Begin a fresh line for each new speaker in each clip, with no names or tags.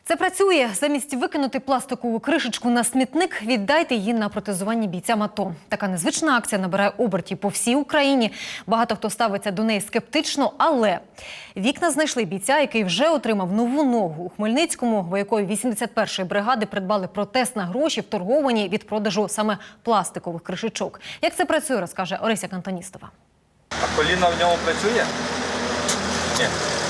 Це працює. Замість викинути пластикову кришечку на смітник, віддайте її на протезування бійцям АТО. Така незвична акція набирає обертів по всій Україні. Багато хто ставиться до неї скептично, але вікна знайшли бійця, який вже отримав нову ногу. У Хмельницькому воякові 81-ї бригади придбали протез на гроші, вторговані від продажу саме пластикових кришечок. Як це працює, розкаже Орися Кантоністова.
А коліна в ньому працює? Ні.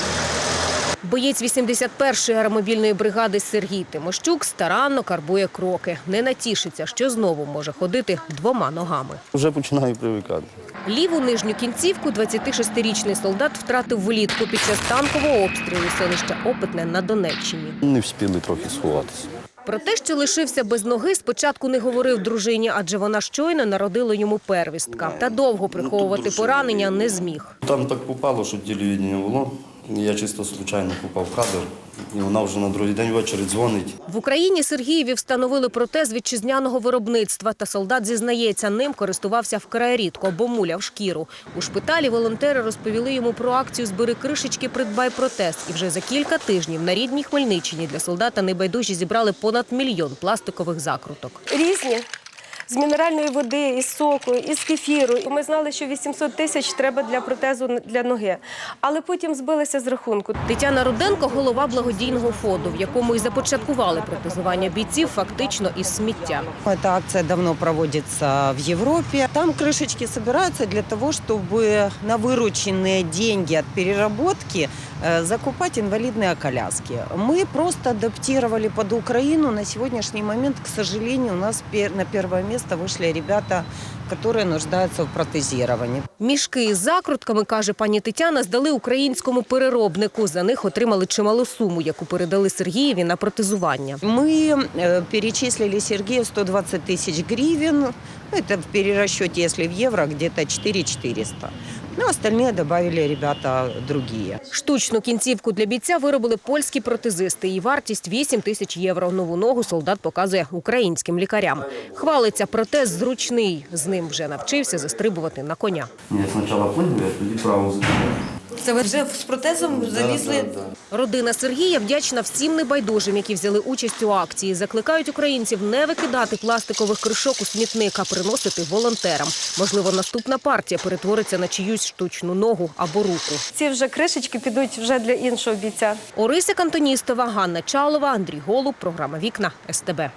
Боєць 81-ї аеромобільної бригади Сергій Тимощук старанно карбує кроки. Не натішиться, що знову може ходити двома ногами.
Вже починаю привикати.
Ліву нижню кінцівку 26-річний солдат втратив влітку під час танкового обстрілу селища Опитне на Донеччині.
Не встигли трохи сховатися.
Про те, що лишився без ноги, спочатку не говорив дружині, адже вона щойно народила йому первістка. Та довго приховувати поранення не зміг.
Там так попало, що телевідення було. Я чисто случайно попав в кадр, і вона вже на другий день ввечері дзвонить.
В Україні Сергієві встановили протез вітчизняного виробництва. Та солдат зізнається, ним користувався вкрай рідко, бо муляв шкіру. У шпиталі волонтери розповіли йому про акцію «Збери кришечки, придбай протез». І вже за кілька тижнів на рідній Хмельниччині для солдата небайдужі зібрали понад 1 мільйон пластикових закруток.
Різні. З мінеральної води, із соку, із кефіру. Ми знали, що 800 тисяч треба для протезу для ноги. Але потім збилися з рахунку.
Тетяна Руденко – голова благодійного фонду, в якому і започаткували протезування бійців фактично із сміття.
Эта акция давно проводится в Европе. Там крышечки собираются для того, чтобы на вырученные деньги от переработки закупать инвалидные коляски. Мы просто адаптировали под Украину. На сегодняшний момент, к сожалению, у нас на первое место вышли ребята, которые нуждаются в протезировании.
Мішки із закрутками, каже пані Тетяна, здали українському переробнику. За них отримали чималу суму, яку передали Сергієві на протезування.
Мы перечислили Сергею 120 тысяч гривен. Это в перерасчете, если в евро, где-то 4400. Ну, остальные добавили ребята другие.
Штучну кінцівку для бійця виробили польські протезисти. Її вартість 8 тисяч євро. Нову ногу солдат показує українським лікарям. Хвалиться, протез зручний. З ним вже навчився застрибувати на коня.
Я спочатку плив, а тоді право закрив.
Це ви вже з протезом залізли?
Родина Сергія вдячна всім небайдужим, які взяли участь у акції. Закликають українців не викидати пластикових кришок у смітник, а приносити волонтерам. Можливо, наступна партія перетвориться на чиюсь штучну ногу або руку.
Ці вже кришечки підуть вже для іншого бійця.
Орися Кантоністова, Ганна Чалова, Андрій Голуб. Програма «Вікна» СТБ.